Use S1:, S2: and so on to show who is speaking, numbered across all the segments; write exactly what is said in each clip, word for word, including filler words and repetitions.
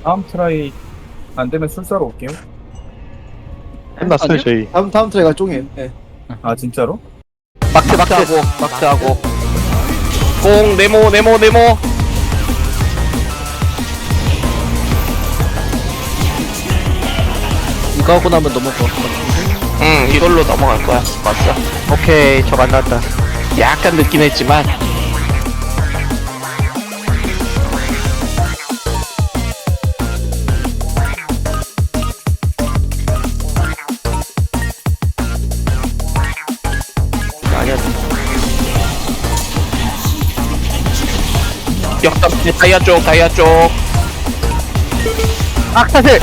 S1: 다음 트라이 안 되면 술사로 올게요.
S2: 끝났어요 저희.
S3: 다음 다음 트레이가 쫑이에요. 예.
S1: 아 진짜로?
S4: 막트 막트하고 막트하고 공 네모 네모 네모.
S3: 이거 하고 나면 넘어가.
S4: 응 이걸로 넘어갈 거야. 맞어.
S3: 오케이, 저거 안 나왔다.
S4: 약간 늦긴 했지만
S3: 아니야.
S4: 역삼 다이아 쪽 다이아 쪽
S3: 악사슬.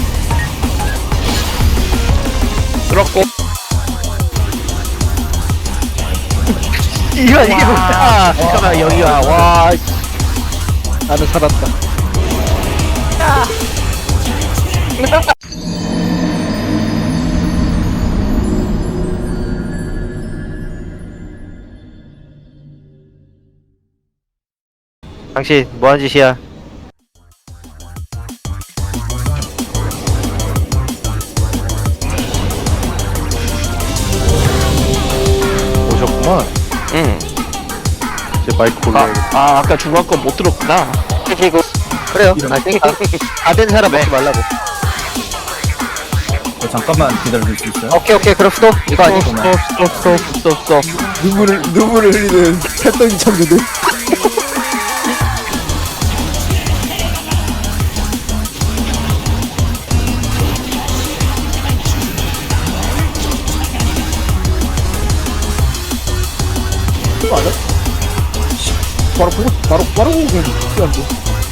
S4: 그렇고
S3: 이거 이게 뭐야? 잠깐만 여기야. 와. 나는 살았다. 당신 뭐하는 짓이야?
S2: 오셨구만.
S4: 응.
S2: 이제 마이크
S4: 아,
S2: 올려야겠다.
S4: 아 아까 중간 건 못 들었구나.
S3: 그리고 그래요. 아, 다된 사람 먹지 말라고.
S1: 어, 잠깐만 기다려줄 수 있어요?
S3: 오케이 오케이 그럼 스톱. 이거 아니.
S4: 스톱 스톱 스톱 스톱 스톱.
S3: 눈물을 눈물을 흘리는 팔덩이 참교들. 맞아? 바로 보고 바로 바로 보고 그냥 시간 줘.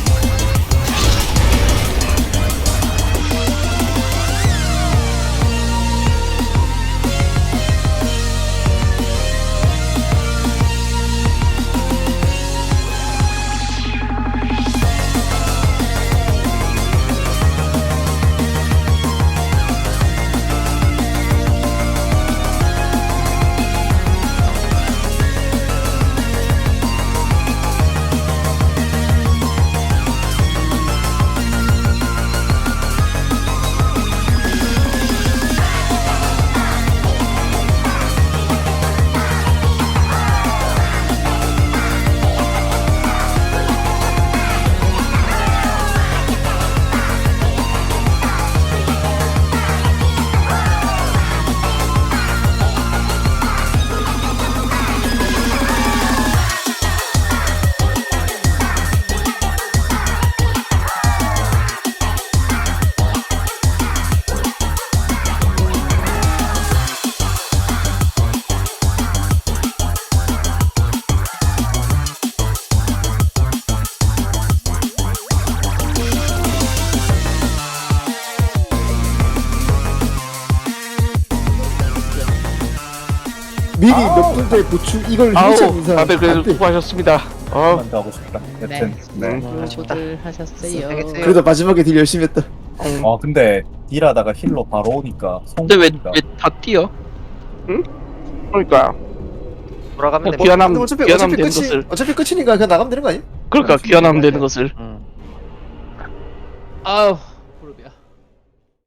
S3: 미리 몇 분대 보충 이걸
S4: 아우
S3: 힐참 인사.
S4: 다들 그래도
S3: 안 돼.
S4: 수고하셨습니다. 어.
S1: 한번 더 하고 싶다. 여튼.
S4: 네.
S5: 수고들 하셨어요.
S3: 그래도 마지막에 딜 열심히 했다.
S1: 어 근데 딜하다가 힐로 바로 오니까
S4: 근데 왜
S1: 성공이다.
S4: 왜 다 뛰어? 응? 그러니까
S3: 돌아가면
S4: 돼. 귀환함
S3: 근데 어차피
S4: 귀환함
S3: 어차피
S4: 되는
S3: 끝이
S4: 것을
S3: 어차피 끝이니까 그냥 나가면 되는 거 아니야?
S4: 그러니까 귀환하면 되는 것을.
S3: 응.
S5: 아우